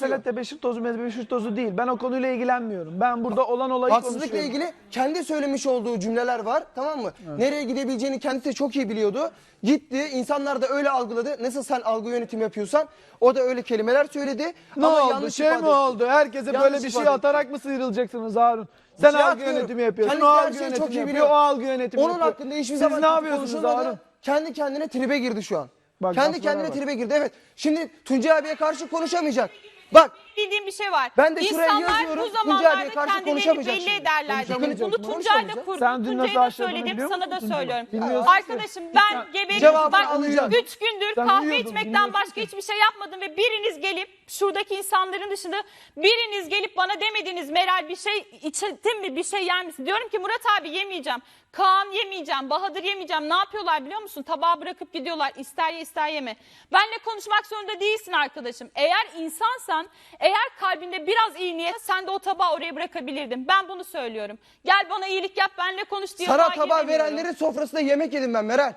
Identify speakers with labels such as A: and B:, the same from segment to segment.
A: mesele tebeşir tozu, mebeşir tozu değil. Ben o konuyla ilgilenmiyorum. Ben burada olan olayı
B: Haksızlıkla
A: konuşuyorum.
B: ilgili kendi söylemiş olduğu cümleler var, tamam mı? Evet. Nereye gidebileceğini kendisi de çok iyi biliyordu. Gitti, insanlar da öyle algıladı. Nasıl sen algı yönetimi yapıyorsan o da öyle kelimeler söyledi.
A: Ne
B: ama
A: oldu?
B: yanlış
A: Şey mi
B: ifade
A: oldu? Herkese
B: Yanlış
A: böyle bir şey
B: ifade
A: atarak mı sıyrılacaksınız Harun? Sen
B: şey
A: algı
B: atmıyorum.
A: yönetimi yapıyorsun.
B: Kendisi
A: O
B: her
A: algı
B: şeyi çok
A: yönetimi
B: iyi
A: yapıyor.
B: biliyor.
A: O algı yönetimi
B: Onun
A: yapıyor.
B: hakkında hiçbir
A: Siz
B: zaman
A: ne
B: kötü
A: yapıyorsunuz
B: konuşulmadı.
A: Harun?
B: Kendi kendine tribe girdi şu an.
A: Bak,
B: Kendi
A: laflara
B: kendine
A: bak.
B: tribe girdi, evet. Şimdi Tuncay abiye karşı konuşamayacak. Bak,
C: Bildiğim bir şey var.
B: Ben de şuraya
C: İnsanlar
B: yazıyorum,
C: bu
B: Tuncay abiye
C: zamanlarda
B: karşı
C: kendilerini
B: konuşamayacak
C: belli
B: şimdi.
C: ederler dedim.
B: Konuşamayacak.
C: Bunu Tuncay da
B: Konuşamayacak.
C: kurdu.
A: Sen dün nasıl
C: Tuncay'a da
A: aşağıdığını
C: söyledim,
A: biliyor
C: sana da
A: musun?
C: söylüyorum.
A: Bilmiyorsun
C: Arkadaşım ben geberiyorum.
B: Cevabını
C: Bak
B: alacağım.
C: 3 gündür
A: Sen
C: kahve
A: uyuyordun,
C: içmekten
A: bilmiyorsun
C: başka
A: ki.
C: hiçbir şey yapmadım ve biriniz gelip şuradaki insanların dışında biriniz gelip bana demediniz Meral bir şey içtin mi, bir şey yer misin? Diyorum ki Murat abi yemeyeceğim. Kaan yemeyeceğim, Bahadır yemeyeceğim. Ne yapıyorlar biliyor musun? Tabağı bırakıp gidiyorlar. İster ye ister yeme. Benle konuşmak zorunda değilsin arkadaşım. Eğer insansan, eğer kalbinde biraz iyi niyet, sen de o tabağı oraya bırakabilirdin. Ben bunu söylüyorum. Gel bana iyilik yap, benle konuş diye
B: sana
C: daha
B: tabağı
C: giremiyorum.
B: verenlerin sofrasında yemek yedim ben Meral.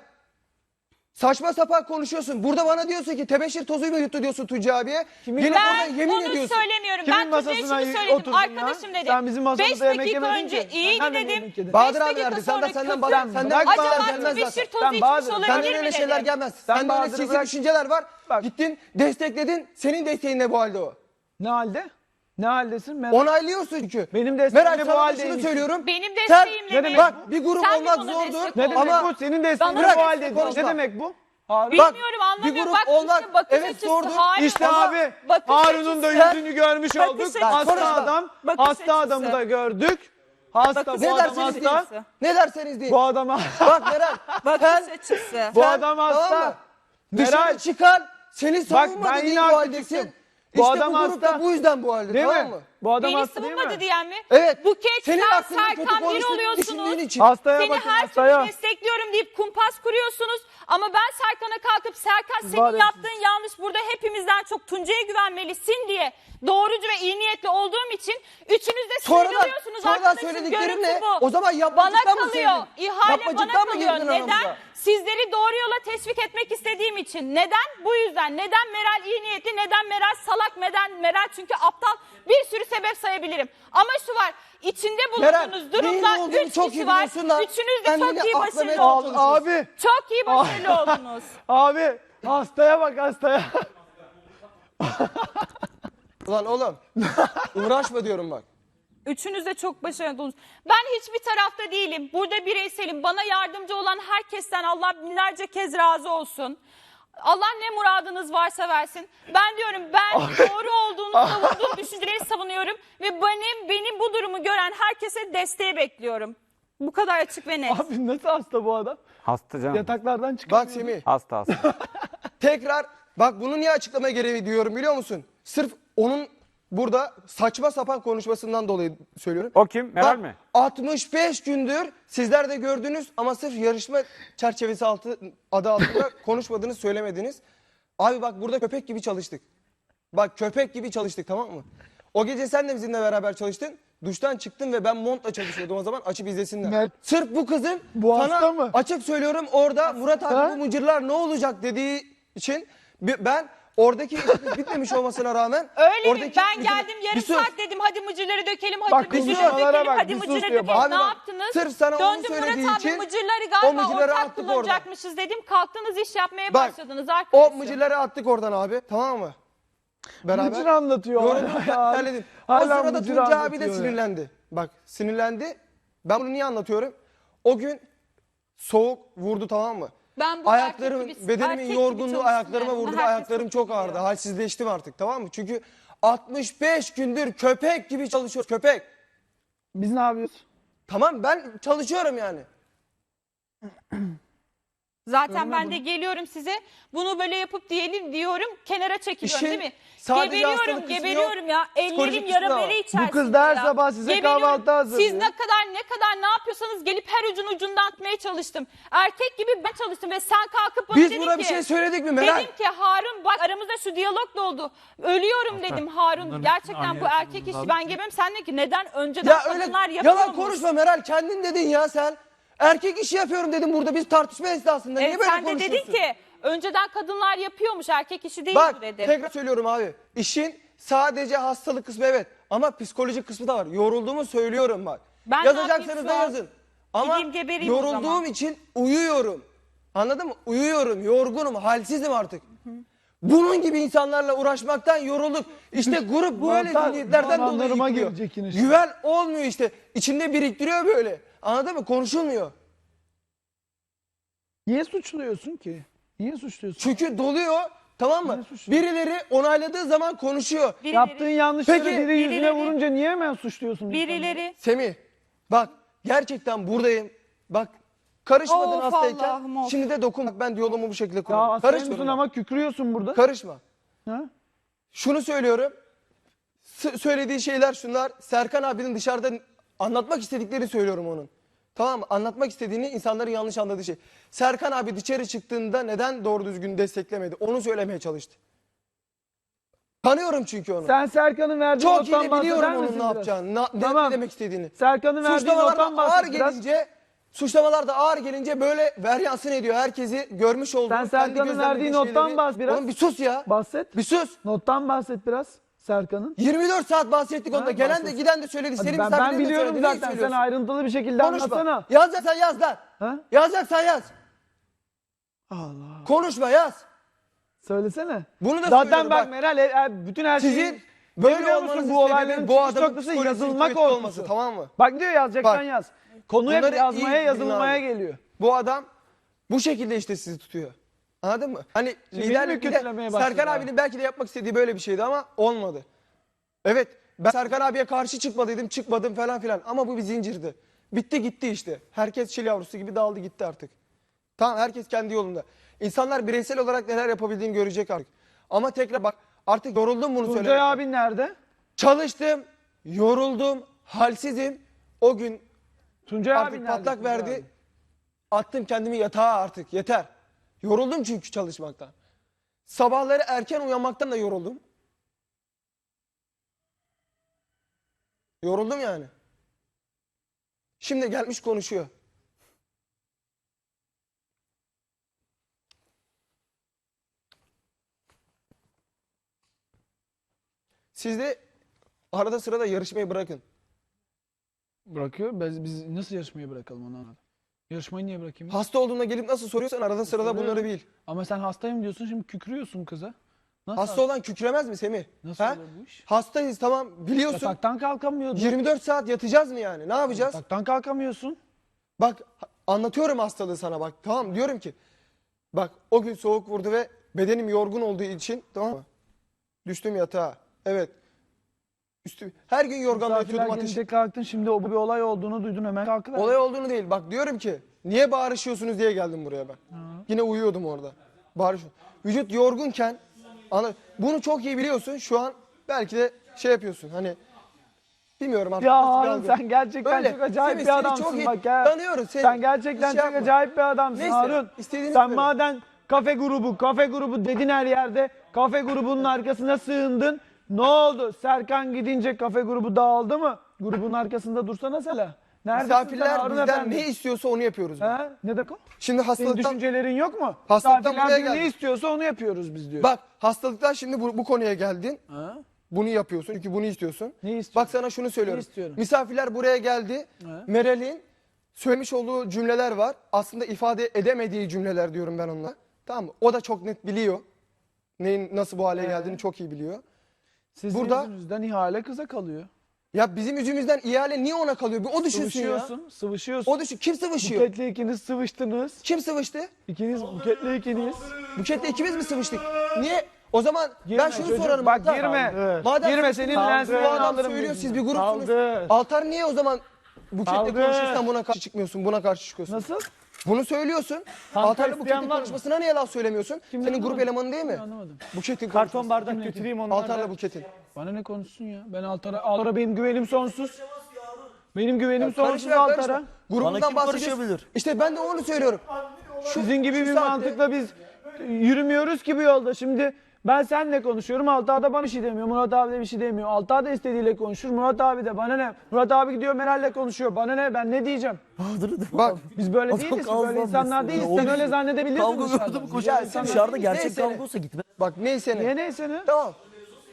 B: Saçma sapan konuşuyorsun. Burada bana diyorsun ki tebeşir tozuyla yuttu diyorsun Tuncay abiye. Gelip orada
C: Ben
B: yemin
C: onu
B: ediyorsun.
C: söylemiyorum.
A: Kimin
C: Ben Tuncay'a
A: masasına
C: şunu söyledim.
A: oturdun ya?
C: Arkadaşım dedim.
A: Sen bizim
C: 5
A: masamızda yemek
C: dakika
A: yemedin
C: önce
A: ki.
C: iyiydi
A: Sen nereden
C: dedim.
A: yemek yedin?
B: Bahadır
C: 5
B: abi
C: dakika
B: verdi. Sen de
C: sonra
B: senden
C: kötü.
B: senden
A: Bak,
B: bahadır
C: Acaba
B: gelmez
C: tebeşir
B: zaten.
C: tozu
A: Sen
C: içmiş
A: Bahadır'ı-
C: olabilir
B: Senden
C: mi
B: öyle
C: dedim.
B: şeyler gelmez.
A: Sen
B: Sende öyle
A: Bahadır'ı
B: sinsi
A: bırak.
B: düşünceler var.
A: Bak.
B: Gittin destekledin. Senin desteğin ne bu halde o?
A: Ne halde? Ne haldesin? Meral?
B: Onaylıyorsun çünkü.
A: Benim desteğim
B: Meral
A: de bu
B: sana da şunu
A: haldeymiş.
B: söylüyorum.
C: Benim
B: Sen-
C: desteğimle
A: Ne
C: mi?
A: demek?
B: Bak bir grup
C: Sen mi
B: olmak
C: bana
B: zordur.
C: destek
A: Ne demek
B: Ama
A: bu? Senin desteğin de
C: Bana
A: bu haldeymiş.
B: konuşma.
A: Ne demek bu? Harun.
C: Bilmiyorum anlamıyorum.
B: bir grup
C: Bak
B: olmak-
C: işte bakış
B: evet,
C: açısı.
B: doğru.
C: Hayır.
A: İşte
B: Ama
A: abi
C: bakış
A: Harun'un da
C: açısı-
A: yüzünü görmüş
C: bakış
A: olduk.
C: açısı-
A: Hasta
B: konuşma.
A: adam.
C: Bakış
A: Hasta
C: açısı.
A: adamı da gördük. Hasta
C: Bakış
A: bu
B: Ne
A: adam
B: derseniz deyin.
A: hasta.
B: Ne derseniz deyin.
A: Bu adam
B: Bak Meral.
C: Bakış
B: sen-
C: açısı.
A: bu
B: sen-
A: adam
B: tamam
A: hasta.
B: mı? Dışarı
A: Meral.
B: çıkar. Seni
A: Bak
B: savunmadı
A: ben
B: diye
A: yine
B: bu
A: haklı
B: haldesin.
A: çıktım.
B: İşte
A: Bu adam
B: bu grup da
A: hasta.
B: bu yüzden bu halde,
A: Değil
B: tamam
A: mi?
B: mı?
A: Bu adam
C: Beni
A: hasta değil mi?
C: savunmadı diyen mi?
B: Evet.
C: Buket
B: Senin
C: sen
B: hakkında kötü
C: Serkan bir
B: konuştuğunu
C: oluyorsunuz.
B: düşündüğün için.
A: Hastaya
C: Seni
A: bakın
C: her
A: hastaya.
C: türlü destekliyorum deyip kumpas kuruyorsunuz. Ama ben Serkan'a kalkıp Serkan
A: Var
C: senin
A: ya
C: yaptığın yanlış, burada hepimizden çok Tuncay'a güvenmelisin diye doğrucu ve iyi niyetli olduğum için üçünüz de sinirleniyorsunuz.
B: Sonradan
C: Arkadaşım
B: söylediklerin
C: görüntü
B: ne?
C: bu.
B: O zaman
C: Bana
B: yapmacıktan mı
C: kalıyor.
B: söyledin?
C: İhale bana
B: Yapmacıktan mı
C: kalıyor.
B: girdin
C: Neden?
B: aramıza?
C: Sizleri doğru yola teşvik etmek istediğim için. Neden? Bu yüzden. Neden Meral iyi niyetli? Neden Meral salak? Neden Meral çünkü aptal? Bir sürü sebep sayabilirim. Ama şu var. İçinde
B: Meral,
C: bulunduğunuz
B: neyin
C: durumda
B: olduğunu
C: 3
B: çok iyi
C: kişi var.
B: biliyorsun da
C: Üçünüz de
B: kendini
C: çok iyi
B: aklamaya
C: başarılı
B: çalışıyorsun.
C: oldunuz.
A: Abi.
C: Çok iyi başarılı oldunuz.
A: Abi hastaya bak hastaya.
B: Ulan oğlum uğraşma diyorum bak.
C: Üçünüz de çok başarılı oldunuz. Ben hiçbir tarafta değilim. Burada bireyselim. Bana yardımcı olan herkesten Allah binlerce kez razı olsun. Allah ne muradınız varsa versin. Ben diyorum ben doğru olduğunu savunduğum düşünceleri savunuyorum. Ve benim bu durumu gören herkese desteği bekliyorum. Bu kadar açık ve net.
A: Abi nasıl hasta bu adam?
D: Hasta canım.
A: Yataklardan çıkamıyor.
B: Bak Semih
D: Hasta hasta.
B: tekrar bak bunu niye açıklama gereği diyorum biliyor musun? Sırf onun burada saçma sapan konuşmasından dolayı söylüyorum.
D: O kim? Meral
B: Bak,
D: mi?
B: 65 gündür sizler de gördünüz ama sırf yarışma çerçevesi adı altında konuşmadınız, söylemediniz. Abi bak burada köpek gibi çalıştık. Bak köpek gibi çalıştık, tamam mı? O gece sen de bizimle beraber çalıştın. Duştan çıktın ve ben montla çalışıyordum o zaman, açıp izlesinler.
A: Mert,
B: Sırf bu kızın
A: bu
B: sana
A: hasta mı?
B: açık söylüyorum orada Murat abi
A: Ha?
B: bu mıcırlar ne olacak dediği için ben oradaki işimiz bitmemiş olmasına rağmen
C: Öyle mi?
B: oradaki
C: Ben
B: mıcırlar-
C: geldim yarım
B: Bir sus.
C: saat dedim hadi mıcırları dökelim, hadi
A: Bak,
C: mıcırları
A: konuşmalara
C: dökelim,
A: bak,
C: hadi
A: bir sus
C: mıcırları
A: diyor.
C: dökelim.
B: Abi
C: Ne
B: bak,
C: yaptınız?
B: sırf sana onu
C: Döndüm
B: söylediği
C: Murat abi
B: için
C: mıcırları
B: o
C: galiba
B: mıcırları
C: ortak
B: attık
C: kullanacakmışız dedim. Kalktınız iş yapmaya
B: Bak,
C: başladınız arkadaşım.
B: O mıcırları attık oradan abi, tamam mı? Beraber.
A: Mıcır anlatıyor.
B: Yoruldum,
A: hala.
B: terledim. O
A: Hala
B: sırada
A: mıcır
B: Tuncay abi de
A: anlatıyor ya.
B: sinirlendi. Bak sinirlendi. Ben bunu niye anlatıyorum? O gün soğuk vurdu, tamam mı?
C: Ben bu
B: Ayaklarım,
C: erkek gibi-
B: bedenimin
C: erkek gibi
B: yorgunluğu
C: çalıştım
B: ayaklarıma
C: yani.
B: vurdu.
C: Herkes
B: Ayaklarım çok ağrıdı.
C: biliyor.
B: Halsizleştim artık, tamam mı? Çünkü 65 gündür köpek gibi çalışıyoruz. Köpek.
A: Biz ne yapıyoruz?
B: Tamam, ben çalışıyorum yani.
C: Zaten ben de geliyorum size bunu böyle yapıp diyorum kenara çekiliyorum
B: İşin
C: değil mi?
B: sadece hastalık kısmı
C: Geberiyorum ya.
B: psikolojik
C: Ellerim
B: kısmı
C: yara
B: da var.
C: bere içerisinde
A: Bu kız da her
C: ya.
A: sabah size
C: Geberiyorum.
A: kahvaltı hazırlıyor.
C: Siz ne kadar ne yapıyorsanız gelip her ucundan atmaya çalıştım. Erkek gibi ben çalıştım ve sen kalkıp bana
B: Biz
C: dedin
B: buna
C: ki.
B: bir şey söyledik mi Meral?
C: Dedim ki Harun bak aramızda şu diyalog da oldu. Ölüyorum dedim Harun. Gerçekten bu erkek işi ben gebem. Sen de ki neden önceden
B: Ya öyle
C: kadınlar yapıyormuş.
B: yalan konuşma Meral, kendin dedin ya sen. Erkek işi yapıyorum dedim burada biz tartışma esnasında. Niye böyle
C: sen de
B: konuşuyorsun?
C: dedin ki önceden kadınlar yapıyormuş erkek işi değil
B: Bak
C: bu dedim.
B: tekrar söylüyorum abi. İşin sadece hastalık kısmı evet ama psikolojik kısmı da var. Yorulduğumu söylüyorum bak.
C: Ben ne
B: Yazacaksanız
C: yapayım
B: da
C: şu an?
B: yazın. Ama
C: Gideyim gebereyim o zaman.
B: yorulduğum için uyuyorum. Anladın mı? Uyuyorum, yorgunum, halsizim artık. Bunun gibi insanlarla uğraşmaktan yorulduk. İşte grup böyle
A: Mantar-
B: zihniyetlerden dolayı
A: mantarıma
B: yıkılıyor.
A: gelecek yine işte.
B: Güven olmuyor işte. İçinde biriktiriyor böyle. Anladın mı? Konuşulmuyor.
A: Niye suçluyorsun ki? Niye suçluyorsun?
B: Çünkü doluyor. Tamam mı?
A: Ne suçlu?
B: Birileri onayladığı zaman konuşuyor.
C: Birileri,
A: Yaptığın yanlışları
B: Peki,
A: biri yüzüne
C: birileri-
A: vurunca niye hemen suçluyorsun?
C: birileri.
B: Semih bak gerçekten buradayım. Bak karışmadın
C: Of
B: hastayken.
C: Allah'ım, of.
B: Şimdi de dokun. Bak, ben diyaloğumu bu şekilde
A: Ya
B: kuruyorum.
A: hastaymışsın
B: Karışma.
A: ama kükrüyorsun burada.
B: Karışma.
A: Ha?
B: Şunu söylüyorum. Söylediği şeyler şunlar. Serkan abinin dışarıda anlatmak istedikleri söylüyorum onun. Tamam mı? Anlatmak istediğini insanların yanlış anladığı şey. Serkan abi dışarı çıktığında neden doğru düzgün desteklemedi? Onu söylemeye çalıştı. Tanıyorum çünkü onu.
A: Sen Serkan'ın verdiği
B: Çok
A: nottan
B: iyi de biliyorum
A: bahseder
B: onun
A: misin
B: ne
A: biraz?
B: yapacağını, ne
A: Tamam.
B: demek istediğini.
A: Serkan'ın verdiği
B: Suçlamalar
A: nottan
B: da ağır
A: bahset biraz.
B: gelince, suçlamalar da ağır gelince böyle veryansın ediyor. Herkesi görmüş olduğu,
A: Sen
B: kendi
A: Serkan'ın
B: gözlemlediği
A: verdiği nottan
B: şeyleri-
A: bahs biraz.
B: Oğlum bir sus ya.
A: Bahset.
B: Bir sus.
A: Nottan bahset biraz Serkan'ın.
B: 24 saat bahsettik onda.
A: Ha,
B: Gelen de
A: bahset.
B: giden de söyledi.
A: Hadi
B: Senin
A: ben
B: misafirlerin de
A: biliyorum
B: söyledi. Neyi
A: zaten. Sen
B: söylüyorsun?
A: ayrıntılı bir şekilde
B: Konuşma.
A: anlatsana.
B: Yazacaksan yaz lan.
A: Ha?
B: Yazacaksan yaz.
A: Allah.
B: Konuşma yaz.
A: Söylesene.
B: Bunu da
A: Zaten
B: söylüyorum
A: bak
B: bak.
A: Meral bütün her
B: Sizin
A: şeyin
B: böyle
A: biliyor musun
B: olmanızın
A: bu olayların
B: sebebi bu
A: çıkış
B: adamın
A: noktası
B: psikolojisinin
A: yazılma
B: kuvvetli olması,
A: korkusu.
B: tamam mı?
A: Bak diyor yazacaksan
B: Bak,
A: yaz. Konu hep
B: bunları iyi
A: yazmaya
B: bilin
A: yazılmaya
B: abi.
A: geliyor.
B: Bu adam bu şekilde işte sizi tutuyor. Anladın mı? Hani
A: Şimdi beni
B: liderlik
A: mi
B: bir de
A: kötülemeye başladı
B: Serkan
A: abi?
B: abinin belki de yapmak istediği böyle bir şeydi ama olmadı. Evet ben Serkan abiye karşı çıkmadım falan filan ama bu bir zincirdi. Bitti gitti işte. Herkes çil yavrusu gibi dağıldı gitti artık. Tamam herkes kendi yolunda. İnsanlar bireysel olarak neler yapabildiğini görecek artık. Ama tekrar bak artık yoruldum bunu
A: Tuncay
B: söylemekten.
A: abin nerede?
B: Çalıştım, yoruldum, halsizim. O gün
A: Tuncay abin
B: artık
A: nerede?
B: patlak
A: Tuncay
B: verdi.
A: abi?
B: Attım kendimi yatağa artık yeter. Yoruldum çünkü çalışmaktan. Sabahları erken uyanmaktan da yoruldum. Yoruldum yani. Şimdi gelmiş konuşuyor. Siz de arada sırada yarışmayı bırakın.
A: Bırakıyor. Biz nasıl yarışmayı bırakalım onu anladım. Yarışmayı niye bırakayım?
B: Hasta olduğunda gelip nasıl soruyorsan arada sırada bunları bil.
A: Ama sen hastayım diyorsun şimdi kükrüyorsun kıza. Nasıl,
B: Hasta olan kükremez mi Semih?
A: nasıl
B: Ha?
A: oluyor bu iş?
B: Hastayız tamam biliyorsun.
A: Yataktan kalkamıyordun.
B: 24 saat yatacağız mı yani? Ne yapacağız?
A: Yataktan kalkamıyorsun.
B: Bak anlatıyorum hastalığı sana bak. Tamam diyorum ki. Bak o gün soğuk vurdu ve bedenim yorgun olduğu için tamam mı? Düştüm yatağa. Evet. Her gün yorganla
A: Misafirler
B: yatıyordum ateş.
A: gelince kalktın şimdi o bir olay olduğunu duydun hemen kalkıver.
B: Olay olduğunu değil. Bak diyorum ki niye bağırışıyorsunuz diye geldim buraya ben. Yine uyuyordum orada. Bağırışıyorum. Vücut yorgunken bunu çok iyi biliyorsun. Şu an belki de şey yapıyorsun. Hani bilmiyorum artık.
A: Ya
B: nasıl bir
A: Harun
B: algı.
A: sen gerçekten
B: Öyle.
A: çok acayip
B: Semih,
A: bir
B: seni
A: adamsın
B: çok iyi
A: bak ya.
B: tanıyorum seni.
A: Sen gerçekten
B: Hiç şey
A: çok
B: yapma.
A: acayip bir adamsın
B: Neyse,
A: Harun.
B: istediğini
A: Sen
B: söyle.
A: madem kafe grubu dedin her yerde. Kafe grubunun arkasına sığındın. Ne oldu? Serkan gidince kafe grubu dağıldı mı? Grubun arkasında dursana Sela. Neredesin sen
B: Misafirler
A: Harun
B: bizden
A: efendi?
B: ne istiyorsa onu yapıyoruz.
A: Ha? Ne demek o?
B: Şimdi
A: Senin
B: hastalıktan
A: düşüncelerin yok mu?
B: Hastalıktan
A: Misafirler
B: buraya
A: ne
B: geldim.
A: istiyorsa onu yapıyoruz biz diyor.
B: bak hastalıktan şimdi bu konuya geldin.
A: Ha?
B: Bunu yapıyorsun çünkü bunu istiyorsun.
A: Ne istiyorsun?
B: Bak sana şunu söylüyorum.
A: Ne istiyorum?
B: Misafirler buraya geldi.
A: Ha?
B: Meral'in söylemiş olduğu cümleler var. Aslında ifade edemediği cümleler diyorum ben onunla. Tamam mı? O da çok net biliyor. Neyin nasıl bu hale geldiğini çok iyi biliyor.
A: Sizin
B: burada-
A: yüzünüzden ihale kıza kalıyor.
B: Ya bizim yüzümüzden ihale niye ona kalıyor? Bir o düşünsün ya.
A: Sıvışıyorsun.
B: O düşün. Kim sıvışıyor?
A: Buketle ikiniz sıvıştınız.
B: Kim sıvıştı?
A: İkiniz buketle ikiniz.
B: Buketle ikimiz mi sıvıştık? Niye? O zaman
A: Girme
B: ben şunu
A: çocuk,
B: sorarım.
A: bak
B: Altar.
A: girme.
B: Madem
A: Girme,
B: sıvıştınız,
A: senin
B: bu
A: lenslerini
B: adam
A: alırım
B: söylüyor
A: yüzüne.
B: siz bir grupsunuz.
A: Kaldı.
B: Altar niye o zaman Buketle
A: Kaldı.
B: konuşursan buna karşı çıkmıyorsun, buna karşı çıkıyorsun?
A: Nasıl?
B: Bunu söylüyorsun.
A: Kanka
B: Altar'la
A: isteyen
B: Buket'in
A: var mı?
B: konuşmasına niye laf söylemiyorsun?
A: Kim
B: Senin grup
A: anlamadım.
B: elemanı değil mi?
A: Anlamadım.
B: Buket'in
D: Karton
B: konuşması.
D: bardak götüreyim onları.
B: Altar'la Buket'in.
A: Bana ne konuşsun ya? Ben Altar'a benim güvenim sonsuz. Benim güvenim sonsuz
B: Karışma,
A: Altar'a.
B: karışma.
D: Bana
B: Grubundan
D: kim
B: bahsediyorsun.
D: karışabilir?
B: İşte ben de onu söylüyorum.
A: Sizin gibi
B: şu
A: bir
B: saatte-
A: mantıkla biz yürümüyoruz ki bu yolda. Şimdi ben seninle konuşuyorum. Altar da bana bir şey demiyor. Murat abi de bir şey demiyor. Altar da istediğiyle konuşur. Murat abi de bana ne? Murat abi gidiyor Meral'le konuşuyor. Bana ne? Ben ne diyeceğim?
B: Bak
A: Biz böyle
D: Adam
A: değiliz ki.
D: kavga
A: Böyle insanlar
D: etmesin.
A: değiliz.
D: Ya,
A: Sen
D: o-
A: öyle zannedebilirsin
D: Kavga
A: dışarıdan.
D: gördüm
A: Ya
D: koşar.
A: sen-
D: Dışarıda gerçek
B: neyse.
D: kavga olsa gitme.
B: bak neyse ne.
A: Niye neyse ne?
B: Tamam.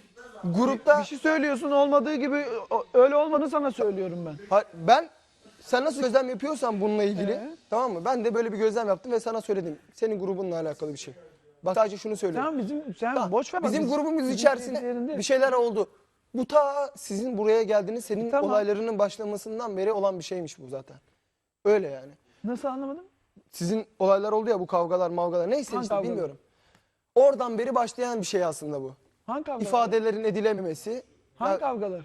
B: grupta
A: Bir şey söylüyorsun olmadığı gibi öyle olmadığını sana söylüyorum ben.
B: Sen nasıl gözlem yapıyorsan bununla ilgili tamam mı? Ben de böyle bir gözlem yaptım ve sana söyledim. Senin grubunla alakalı bir şey. Bak sadece şunu söylüyorum.
A: Sen boş ver. bak,
B: Bizim grubumuz
A: bizim
B: içerisinde
A: yerinde.
B: bir şeyler oldu. Bu ta sizin buraya geldiğiniz, senin
A: Tamam.
B: olaylarının başlamasından beri olan bir şeymiş bu zaten. Öyle yani.
A: Nasıl anlamadım?
B: Sizin olaylar oldu ya, bu kavgalar mavgalar neyse
A: Hangi
B: işte
A: kavgalar?
B: bilmiyorum. Oradan beri başlayan bir şey aslında bu.
A: Hangi kavgalar?
B: İfadelerin edilememesi.
A: Hangi
B: Ya
A: kavgalar?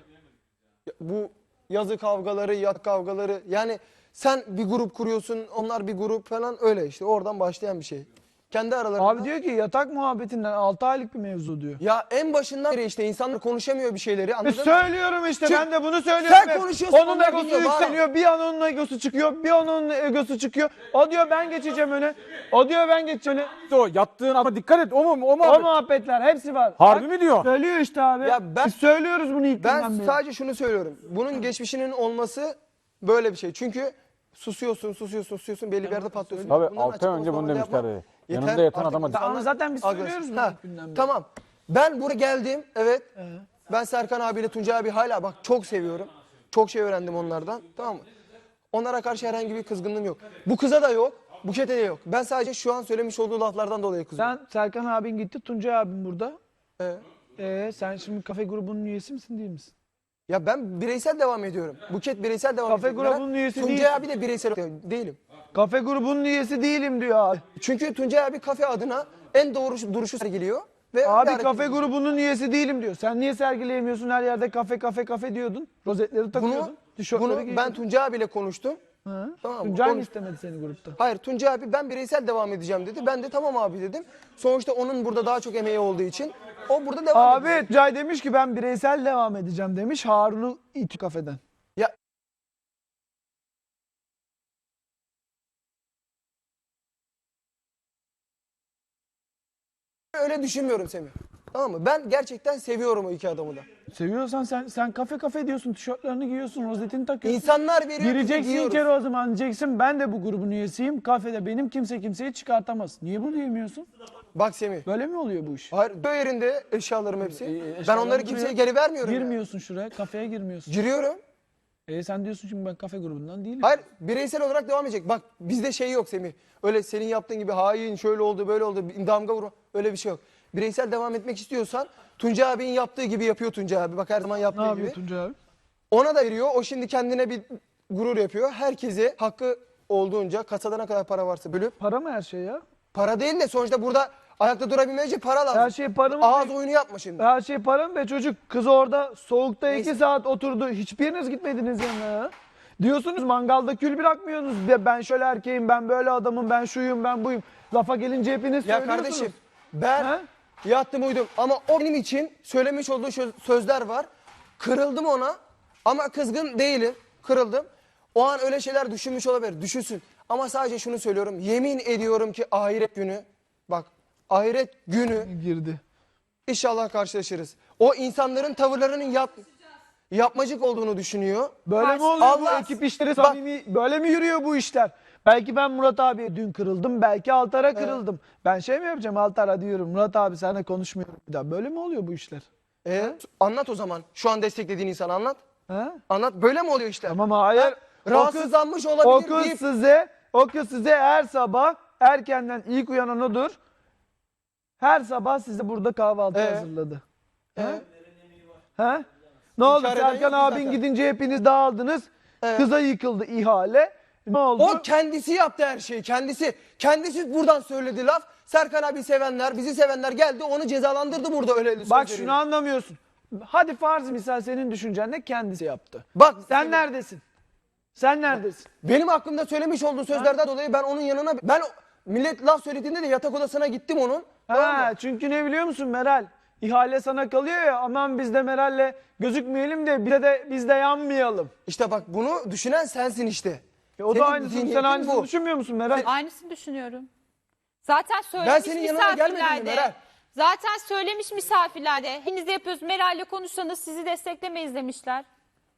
B: bu yazı kavgaları, yat kavgaları, yani sen bir grup kuruyorsun, onlar bir grup falan, öyle işte oradan başlayan bir şey. Kendi aralarında.
A: Abi diyor ki yatak muhabbetinden 6 aylık bir mevzu diyor.
B: Ya en başından beri işte insanlar konuşamıyor bir şeyleri, anladın mı?
A: Söylüyorum işte
B: Çünkü
A: ben de bunu söylüyorum.
B: sen
A: hep.
B: konuşuyorsun,
A: Onun
B: onlar
A: egosu
B: dinliyor, bağırma.
A: yükseliyor. Bir an onun egosu çıkıyor. Bir an onun egosu çıkıyor. O diyor ben geçeceğim öne. O diyor ben geçeceğim öne.
D: O yattığın ama dikkat et o mu o
A: O
D: muhabbet.
A: muhabbetler hepsi var.
D: Harbi
A: Bak,
D: mi diyor?
A: Söylüyor işte abi.
B: Ya
A: Biz söylüyoruz bunu ilk
B: Ben
A: günden beri.
B: sadece şunu söylüyorum. Bunun geçmişinin olması böyle bir şey. Çünkü susuyorsun belli bir yerde patlıyorsun.
D: Tabii
B: Bundan
D: 6
B: açık
D: ay önce bunu
B: konuşmalar yapma.
D: demişlerdi.
B: Yeter,
D: Yanında yatan
B: artık
D: adama
B: insanlar
A: Ama zaten biz
B: agresif.
A: söylüyoruz bunu
B: Ha,
A: ilk günden beri.
B: Tamam. Ben buraya geldim. Evet. Ben Serkan abiyle Tuncay abi hala bak çok seviyorum. Çok şey öğrendim onlardan. Tamam mı? Onlara karşı herhangi bir kızgınlığım yok. Bu kıza da yok. Buket'e de yok. Ben sadece şu an söylemiş olduğu laflardan dolayı kızıyorum.
A: Sen Serkan abin gitti. Tuncay abin burada.
B: Evet.
A: Sen şimdi kafe grubunun üyesi misin değil misin?
B: Ya ben bireysel devam ediyorum. Buket bireysel devam
A: Kafe
B: ediyor.
A: grubunun üyesi
B: Tuncay
A: değil.
B: abi de bireysel değilim.
A: Kafe grubunun üyesi değilim diyor abi.
B: Çünkü Tuncay abi kafe adına en doğru duruşu sergiliyor. Ve
A: Abi
B: öyle hareket
A: kafe
B: ediyor.
A: grubunun üyesi değilim diyor. Sen niye sergileyemiyorsun her yerde kafe diyordun. Rozetleri takıyordun. Tişörtleri
B: Bunu
A: giyiyordun.
B: ben Tuncay abiyle konuştum.
A: Hı.
B: Tamam mı?
A: Tuncay mı
B: Konuş-
A: istemedi seni grupta?
B: Hayır, Tuncay abi ben bireysel devam edeceğim dedi. Ben de tamam abi dedim. Sonuçta onun burada daha çok emeği olduğu için o burada devam ediyor.
A: Abi Tuncay demiş ki ben bireysel devam edeceğim demiş. Harun'u itiyor kafeden.
B: Ya öyle düşünmüyorum Semih. Tamam mı? Ben gerçekten seviyorum o iki adamı da.
A: Seviyorsan sen kafe diyorsun. Tişörtlerini giyiyorsun. Rozetini takıyorsun.
B: İnsanlar veriyor. biz de
A: Gireceksin
B: giyiyoruz.
A: içeri o zaman diyeceksin. Ben de bu grubun üyesiyim. Kafede benim kimse kimseyi çıkartamaz. Niye bunu diyemiyorsun?
B: Bak Semih.
A: Böyle mi oluyor bu iş?
B: Hayır, bu yerinde eşyalarım hepsi. Ben
A: eşyalarım
B: onları
A: duruyor.
B: kimseye geri vermiyorum. ya.
A: Girmiyorsun şuraya. Kafeye girmiyorsun.
B: Giriyorum.
A: Sen diyorsun şimdi ben kafe grubundan değilim.
B: Hayır, bireysel olarak devam edecek. Bak bizde şey yok Semih. Öyle senin yaptığın gibi hain şöyle oldu böyle oldu damga vurma, öyle bir şey yok. Bireysel devam etmek istiyorsan Tuncay abinin yaptığı gibi yapıyor Tuncay abi. Bak her zaman
A: Ne
B: yaptığı
A: yapıyor
B: gibi.
A: Tuncay abi?
B: Ona da veriyor. O şimdi kendine bir gurur yapıyor. Herkese hakkı olduğunca kasada ne kadar para varsa bölüp.
A: Para mı her şey ya?
B: Para değil de sonuçta burada ayakta durabilmek için para lazım.
A: Her şey para mı?
B: Ağız oyunu yapma şimdi.
A: Her şey para mı be çocuk? Kız orada soğukta
B: Neyse.
A: 2 saat oturdu. Hiçbiriniz gitmediniz yanına ya. Diyorsunuz mangalda kül bırakmıyorsunuz. Ben şöyle erkeğim, ben böyle adamım, ben şuyum, ben buyum. Lafa gelince hepiniz
B: Ya
A: söylüyorsunuz.
B: kardeşim ben
A: Ha?
B: yattım uyudum ama o benim için söylemiş olduğu sözler var. Kırıldım ona ama kızgın değilim. Kırıldım. O an öyle şeyler düşünmüş olabilir. Düşünsün. Ama sadece şunu söylüyorum. Yemin ediyorum ki ahiret günü, bak ahiret günü
A: Girdi.
B: inşallah karşılaşırız. O insanların tavırlarının yapmacık olduğunu düşünüyor.
A: Böyle mi oluyor bu
B: Allah-
A: ekip işleri
B: Bak-
A: samimi? Böyle mi yürüyor bu işler? Belki ben Murat abiye dün kırıldım. Belki Altar'a kırıldım. Ben şey mi yapacağım Altar'a diyorum. Murat abi seninle konuşmuyorum bir daha. Böyle mi oluyor bu işler?
B: Anlat o zaman. Şu an desteklediğin insanı anlat.
A: Ha?
B: Anlat. Böyle mi oluyor işler?
A: Tamam hayır.
B: Ha? Rahatsızlanmış
A: O
B: olabilir
A: kız
B: deyip
A: size her sabah erkenden ilk uyanan odur. Her sabah size burada kahvaltı hazırladı. Ha? Ne oldu?
B: İnkar eden
A: Serkan
B: yok mu
A: abin
B: zaten?
A: gidince hepiniz dağıldınız. Kıza yıkıldı ihale. Ne oldu?
B: O kendisi yaptı her şeyi. Kendisi buradan söyledi laf. Serkan abi sevenler, bizi sevenler geldi onu cezalandırdı burada öyle
A: Bak
B: sözleriyle.
A: şunu anlamıyorsun. Hadi farz misal senin düşüncen ne kendisi yaptı.
B: Bak
A: Sen neredesin? Sen neredesin?
B: benim hakkımda söylemiş olduğu sözlerden dolayı ben onun yanına millet laf söylediğinde de yatak odasına gittim onun. Tamam mı?
A: Çünkü ne biliyor musun Meral? İhale sana kalıyor ya aman biz de Meral'le gözükmeyelim de biz de yanmayalım.
B: İşte bak bunu düşünen sensin işte.
A: O
B: Senin
A: da aynısını sen
B: zihniyetin
A: aynısını
B: bu.
A: düşünmüyor musun Meral?
C: Aynısını düşünüyorum. Zaten söylemiş
B: senin yanına gelmedim mi
C: misafirlerde.
B: Meral?
C: Zaten söylemiş misafirlerde. Hepiniz de yapıyoruz. Meral'le konuşsanız sizi desteklemeyiz demişler.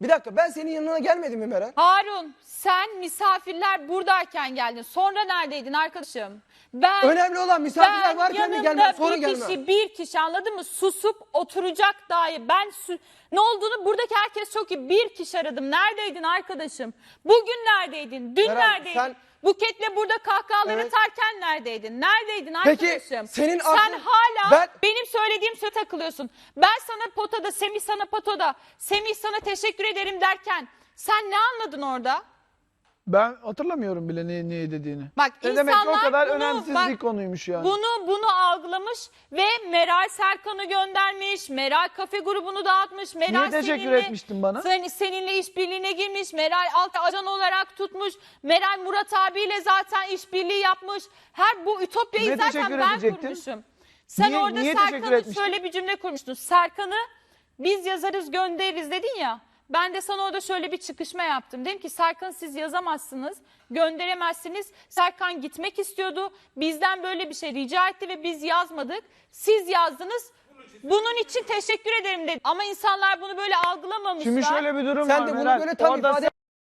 B: Bir dakika, ben senin yanına gelmedim mi Meral?
C: Harun, sen misafirler buradayken geldin. Sonra neredeydin arkadaşım? Ben
B: Önemli olan misafirler varken mi gelmem, sonra gelmem.
C: bir kişi anladın mı? Susup oturacak dahi. Ne olduğunu buradaki herkes çok iyi. Bir kişi aradım. Neredeydin arkadaşım? Bugün neredeydin? Dün
B: Meral,
C: neredeydin?
B: sen-
C: Buketle burada kahkahalar
B: Evet.
C: atarken neredeydin? Neredeydin
B: Peki,
C: arkadaşım?
B: senin
C: Sen
B: aklın-
C: hala benim söylediğim söze takılıyorsun. Ben sana potada, Semih sana potada, Semih sana teşekkür ederim derken sen ne anladın orada?
A: Ben hatırlamıyorum bile ne dediğini.
C: Bak
A: Ne demek ki o
C: insanlar
A: kadar
C: bunu,
A: önemsiz
C: bak,
A: bir konuymuş yani.
C: Bunu algılamış ve Meral Serkan'ı göndermiş. Meral kafe grubunu dağıtmış. Meral
A: Niye teşekkür etmiştin bana?
C: Seninle işbirliğine girmiş. Meral alt ajan olarak tutmuş. Meral Murat abiyle zaten işbirliği yapmış. Bu ütopyayı
A: Niye
C: zaten
A: teşekkür
C: ben
A: edecektin?
C: kurmuşum. Sen
A: Niye-
C: orada
A: niye teşekkür
C: Serkan'ı
A: etmiştin?
C: şöyle bir cümle kurmuştun. Serkan'ı biz yazarız göndeririz dedin ya. Ben de sana orada şöyle bir çıkışma yaptım. Dedim ki Serkan siz yazamazsınız, gönderemezsiniz. Serkan gitmek istiyordu. Bizden böyle bir şey rica etti ve biz yazmadık. Siz yazdınız. Bunun için teşekkür ederim dedim. Ama insanlar bunu böyle algılamamışlar.
A: Şimdi şöyle bir durum
B: Sen
A: var
B: de bunu
A: Meral.
B: böyle tam
A: Orada
B: ifade...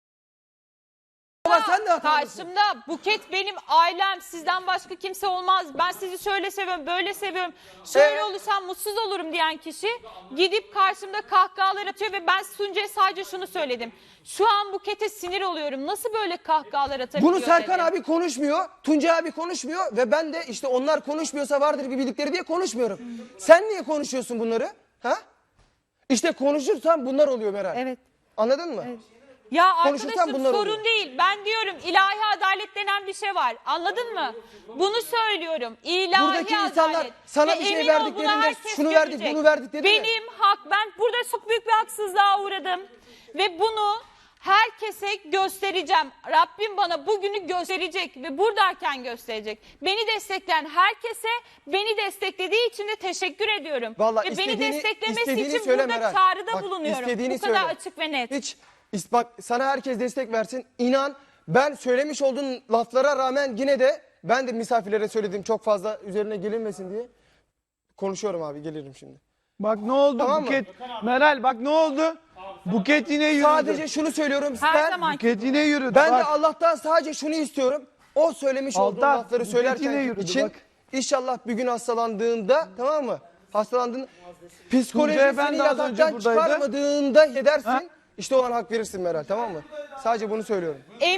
B: Ama sen de hatalısın.
C: Karşımda Buket benim ailem, sizden başka kimse olmaz. Ben sizi şöyle seviyorum, böyle seviyorum. Şöyle olursam mutsuz olurum diyen kişi gidip karşımda kahkahalar atıyor ve ben Tuncay'a sadece şunu söyledim. Şu an Buket'e sinir oluyorum. Nasıl böyle kahkahalar atabiliyor
B: Bunu Serkan
C: dedim.
B: abi konuşmuyor, Tuncay abi konuşmuyor ve ben de işte onlar konuşmuyorsa vardır bir bildikleri diye konuşmuyorum. Sen niye konuşuyorsun bunları? Ha? İşte konuşursan bunlar oluyor Meral.
C: Evet.
B: Anladın mı?
C: Ya
B: Konuşursan
C: arkadaşım
B: bunlar
C: sorun
B: oluyor.
C: değil. Ben diyorum ilahi adalet denen bir şey var. Anladın mı? Bunu söylüyorum. İlahi
B: Buradaki insanlar
C: adalet.
B: sana
C: Ve
B: bir şey
C: emin ol bunu
B: verdiklerinde
C: herkes
B: şunu verdik,
C: görecek.
B: bunu verdik dedi mi?
C: Benim hak. Ben burada çok büyük bir haksızlığa uğradım. Ve bunu herkese göstereceğim. Rabbim bana bugünü gösterecek ve buradayken gösterecek. Beni destekleyen herkese beni desteklediği için de teşekkür ediyorum.
B: Vallahi
C: ve beni desteklemesi
B: istediğini
C: için
B: söyle
C: burada
B: Meral.
C: çağrıda
B: Bak,
C: bulunuyorum.
B: istediğini
C: Bu kadar
B: söyle.
C: açık ve net.
B: Hiç bak sana herkes destek versin. İnan ben söylemiş olduğun laflara rağmen yine de ben de misafirlere söyledim çok fazla üzerine gelinmesin diye. Konuşuyorum abi, gelirim şimdi.
A: Bak ne oldu
B: Tamam mı?
A: Buket. Meral bak ne oldu? Buket yine yürüdü.
B: Sadece şunu söylüyorum.
C: Her zaman.
A: Buket yine yürüdü.
B: Ben
A: bak.
B: de Allah'tan sadece şunu istiyorum. O söylemiş olduğu
A: Altan,
B: lafları
A: Buket yine
B: söylerken
A: yürüdü,
B: için
A: bak.
B: inşallah bir gün hastalandığında, tamam mı? Hastalandığında
A: Tuncay
B: psikolojisini
A: Efendi az önce
B: yataktan
A: buradaydı.
B: çıkarmadığında edersin.
A: Ha?
B: İşte o an hak verirsin Meral, tamam mı? Sadece bunu söylüyorum.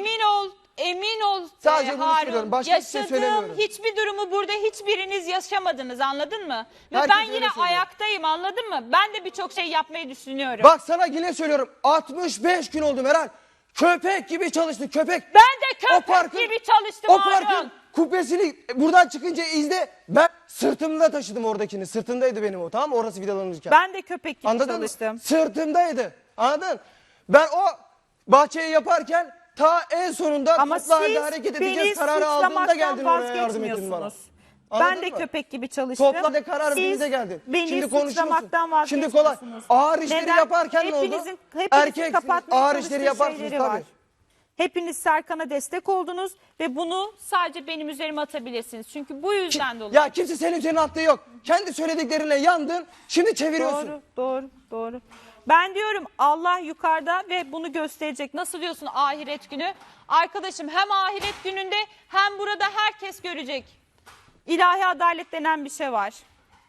C: Emin ol
B: Sadece bunu
C: Harun.
B: söylüyorum, başka bir şey
C: Yaşadığım
B: söylemiyorum.
C: hiçbir durumu burada hiçbiriniz yaşamadınız, anladın mı? Ve
B: Herkes
C: ben
B: öyle
C: yine
B: söylüyor.
C: ayaktayım, anladın mı? Ben de birçok şey yapmayı düşünüyorum.
B: Bak sana yine söylüyorum. 65 gün oldu Meral. Köpek gibi çalıştık, köpek.
C: Ben de köpek gibi çalıştım
B: O
C: Harun.
B: parkın kubbesini buradan çıkınca izle. Ben sırtımda taşıdım oradakini. Sırtımdaydı benim o, tamam mı? Orası vidalanırken.
C: Ben de köpek gibi
B: Anladın
C: çalıştım.
B: mı? Sırtımdaydı. Anladın? Ben o bahçeyi yaparken ta en sonunda
E: Ama
B: toplu halde
E: siz
B: hareket
E: beni
B: edeceğiz kararı aldığında
E: suçlamaktan
B: geldin oraya yardım ettin bana.
E: vazgeçmiyorsunuz.
B: Anladın
E: Ben de
B: mı?
E: köpek gibi çalıştım.
B: Toplamda karar
E: Siz
B: verdiğinizde geldin.
E: beni
B: Şimdi konuşuyorsun.
E: suçlamaktan
B: Şimdi kolay.
E: vazgeçmiyorsunuz.
B: Ağır işleri
E: Neden?
B: yaparken ne oldu?
E: Hepinizin
B: Erkeksiniz,
E: kapatmaya
B: ağır
E: çalıştığı
B: işleri yaparsınız
E: şeyleri
B: tabii.
E: var. Hepiniz Serkan'a destek oldunuz ve bunu
C: Sadece benim üzerime atabilirsiniz. Çünkü bu yüzden dolayı.
B: Ya kimse senin üzerine attığı yok. Kendi söylediklerinle yandın. Şimdi çeviriyorsun.
E: doğru. Ben diyorum Allah yukarıda ve bunu gösterecek.
C: Nasıl diyorsun ahiret günü? Arkadaşım hem ahiret gününde hem burada herkes görecek.
E: İlahi adalet denen bir şey var.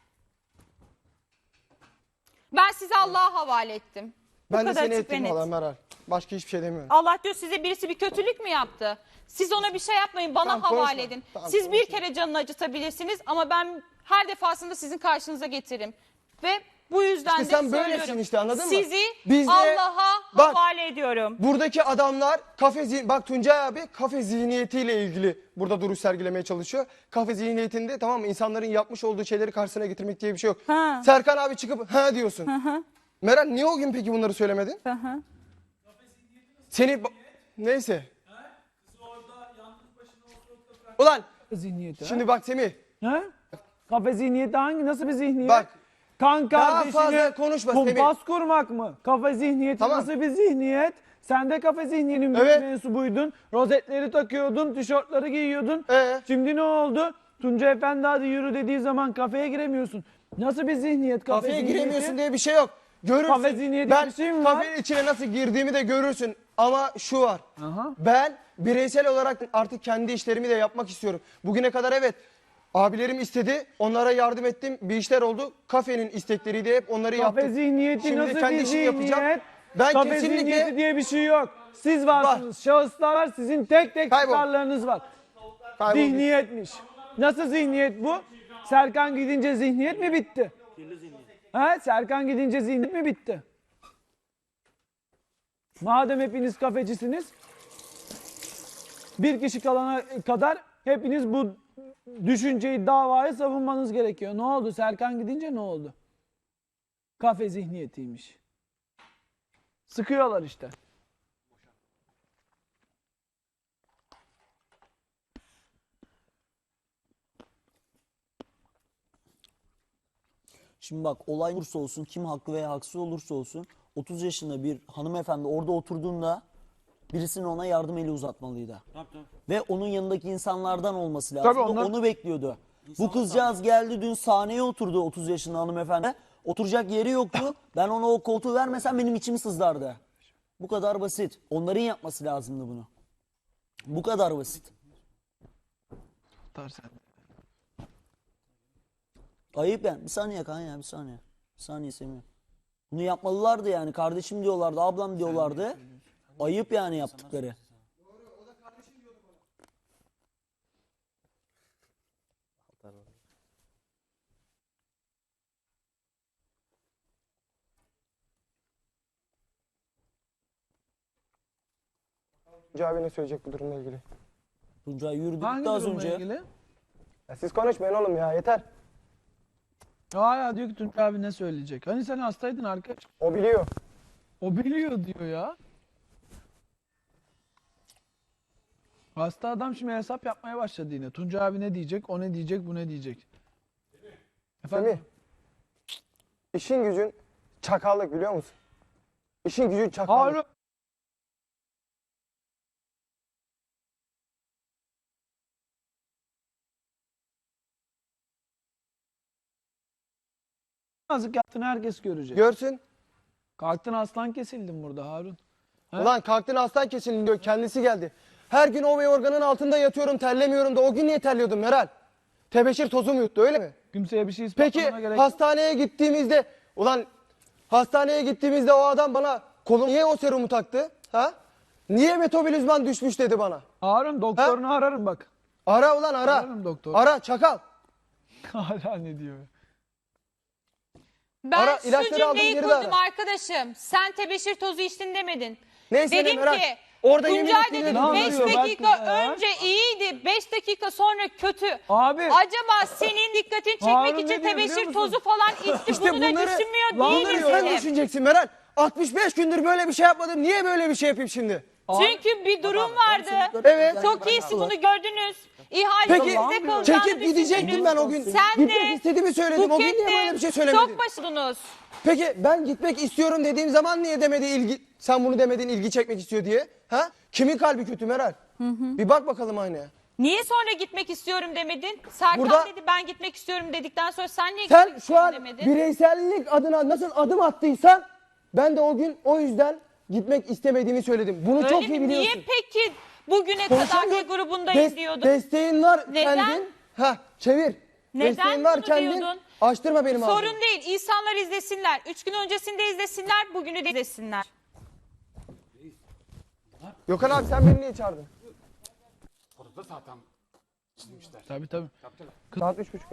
C: Ben sizi Allah'a havale ettim.
B: Ben de
E: kadar
B: seni
E: açık ve
B: ettim
E: net.
B: valla Meral. Başka hiçbir şey demiyorum.
C: Allah diyor size birisi bir kötülük mü yaptı? Siz ona bir şey yapmayın, bana
B: Tamam,
C: havale
B: konuşma.
C: edin.
B: Tamam,
C: Siz bir
B: konuşma.
C: kere canını acıtabilirsiniz ama ben her defasında sizin karşınıza getiririm. Ve bu yüzden
B: İşte
C: de
B: sen
C: söylüyorum.
B: böylesin işte, anladın mı?
C: Sizi
B: Biz de-
C: Allah'a
B: Bak,
C: havale ediyorum.
B: buradaki adamlar bak Tuncay abi kafe zihniyetiyle ilgili burada duruş sergilemeye çalışıyor. Kafe zihniyetinde, tamam mı, insanların yapmış olduğu şeyleri karşısına getirmek diye bir şey yok.
E: Ha.
B: Serkan abi çıkıp ha diyorsun. Meral niye o gün peki bunları söylemedin? Seni neyse. Ulan
A: Zihniyeti.
B: şimdi bak Semih.
A: Ha? Kafe zihniyeti nasıl bir zihniyet?
B: Bak.
A: Kan
B: Daha
A: kardeşini
B: fazla konuşma
A: kumpas kurmak mı? Kafe zihniyeti
B: Tamam.
A: nasıl bir zihniyet? Sen de kafe zihniyetinin
B: Evet.
A: mensubuydun. Rozetleri takıyordun, tişörtleri giyiyordun. Şimdi ne oldu? Tunca Efendi hadi yürü dediği zaman kafeye giremiyorsun. Nasıl bir zihniyet kafe
B: Kafeye
A: zihniyeti?
B: giremiyorsun diye bir şey yok. Görürsün.
A: Kafe zihniyeti
B: Ben
A: bir şey mi var?
B: kafenin içine nasıl girdiğimi de görürsün. Ama şu var.
A: Aha.
B: Ben bireysel olarak artık kendi işlerimi de yapmak istiyorum. Bugüne kadar evet abilerim istedi. Onlara yardım ettim. Bir işler oldu. Kafenin istekleriydi hep onları
A: Kafe
B: yaptım.
A: zihniyeti
B: Şimdi
A: nasıl
B: kendi
A: bir
B: işimi yapacağım.
A: zihniyet?
B: Ben
A: Kafe
B: kesinlikle
A: zihniyeti diye bir şey yok. Siz varsınız, şahıslar var, sizin tek tek
B: Kaybol.
A: çıkarlarınız var.
B: Kayboldum.
A: Zihniyetmiş. Nasıl zihniyet bu? Serkan gidince zihniyet mi bitti? He? Serkan gidince zihniyet mi bitti? Madem hepiniz kafecisiniz, bir kişi kalana kadar hepiniz bu düşünceyi, davayı savunmanız gerekiyor. Ne oldu? Serkan gidince ne oldu? Kafe zihniyetiymiş. Sıkıyorlar işte.
F: Şimdi bak olay olursa olsun, kim haklı veya haksız olursa olsun 30 yaşında bir hanımefendi orada oturduğunda birisinin ona yardım eli uzatmalıydı. Ve onun yanındaki insanlardan olması lazım.
A: Tabii onlar-
F: Onu bekliyordu. Bu kızcağız geldi dün sahneye oturdu 30 yaşında hanımefendi. Oturacak yeri yoktu. Ben ona o koltuğu vermesem benim içim sızlardı. Bu kadar basit. Onların yapması lazımdı bunu. Bu kadar basit. Ayıp yani. Bir saniye kan ya bir saniye. Bir saniye Semih. Bunu yapmalılardı yani. Kardeşim diyorlardı, ablam diyorlardı. Ayıp yani yaptıkları.
B: Tuncay abi ne söyleyecek bu durumla ilgili?
F: Tuncay yürüdü
A: Hangi
F: gitti az
A: durumla
F: önce.
A: ilgili?
B: Ya siz konuşmayın oğlum ya yeter.
A: Hala diyor ki Tuncay abi ne söyleyecek? Hani sen hastaydın arkadaş.
B: O biliyor.
A: O biliyor diyor ya. Hasta adam şimdi hesap yapmaya başladı yine. Tuncay abi ne diyecek, o ne diyecek, bu ne diyecek. Efendim?
B: Semih. İşin gücün çakallık biliyor musun? İşin gücün çakallık.
A: Harun. Yazık yaptığını herkes görecek.
B: Görsün.
A: Kalktın aslan kesildin burada Harun. He?
B: Ulan kalktın aslan kesilin diyor. Kendisi geldi. Her gün o organın altında yatıyorum terlemiyorum da o gün niye terliyordum Meral? Tebeşir tozum yuttu öyle mi?
A: Kimseye bir şey
B: Peki
A: ispatlamana gerek yok.
B: hastaneye gittiğimizde hastaneye gittiğimizde o adam bana kolum niye o serumu taktı? Ha? Niye metabolizman düşmüş dedi bana.
A: Harun doktorunu ararım bak.
B: Ara ulan ara.
A: Ararım doktor.
B: Ara çakal.
A: Hala ne diyor?
C: Ben
B: Ara,
C: şu
B: ilaçları aldın,
C: cümleyi
B: geri de
C: kurdum
B: ara.
C: arkadaşım. Sen tebeşir tozu içtin demedin.
B: Neyse ne
C: Dedim
B: Meral.
C: ki
B: Orada yemin
C: Tuncay
B: ettiğini
C: dedim
A: Ne
C: 5
A: anlatıyor bak
C: dakika
A: bize ya?
C: önce iyiydi. 5 dakika sonra kötü.
A: Abi.
C: Acaba senin dikkatini çekmek
A: Harun ne
C: için
A: diyor biliyor
C: tebeşir
A: musun?
C: tozu falan içti.
B: İşte
C: Bunu da
B: bunları-
C: düşünmüyor
B: Bunları
C: değiliz
B: sen
C: dedim.
B: düşüneceksin Meral. 65 gündür böyle bir şey yapmadım. Niye böyle bir şey yapayım şimdi?
C: Çünkü bir durum vardı.
B: Evet.
C: Çok iyisi bunu gördünüz. İhale
B: Peki
C: size kalacağını
B: çekip gidecektim
C: düşündünüz.
B: ben o gün.
C: Sen
B: Gitmek
C: de
B: istediğimi söyledim. O gün niye böyle bir şey söylemedin?
C: çok başladınız.
B: Peki ben gitmek istiyorum dediğim zaman niye demedi sen bunu demedin ilgi çekmek istiyor diye? Ha? Kimin kalbi kötü Meral? Bir bak bakalım aynaya.
C: Niye sonra gitmek istiyorum demedin? Serkan
B: Burada-
C: dedi ben gitmek istiyorum dedikten sonra sen niye
B: Sen
C: gitmek
B: şu
C: istiyorum
B: an
C: demedin?
B: bireysellik adına nasıl adım attıysan ben de o gün o yüzden gitmek istemediğimi söyledim. Bunu
C: Öyle
B: çok
C: mi?
B: iyi biliyorsun.
C: Niye peki bugüne kadarki
B: Konuşamıyorum.
C: grubundayım diyordun?
B: Desteğin var
C: Neden?
B: kendin. Çevir.
C: Neden
B: Desteğin var
C: bunu
B: kendin.
C: diyordun?
B: Açtırma benim ağzımı.
C: Sorun değil. İnsanlar izlesinler. 3 gün öncesinde izlesinler, bugünü de izlesinler.
B: Gökhan abi sen beni niye çağırdın?
A: Tabii tabii.
B: Saat 3.30.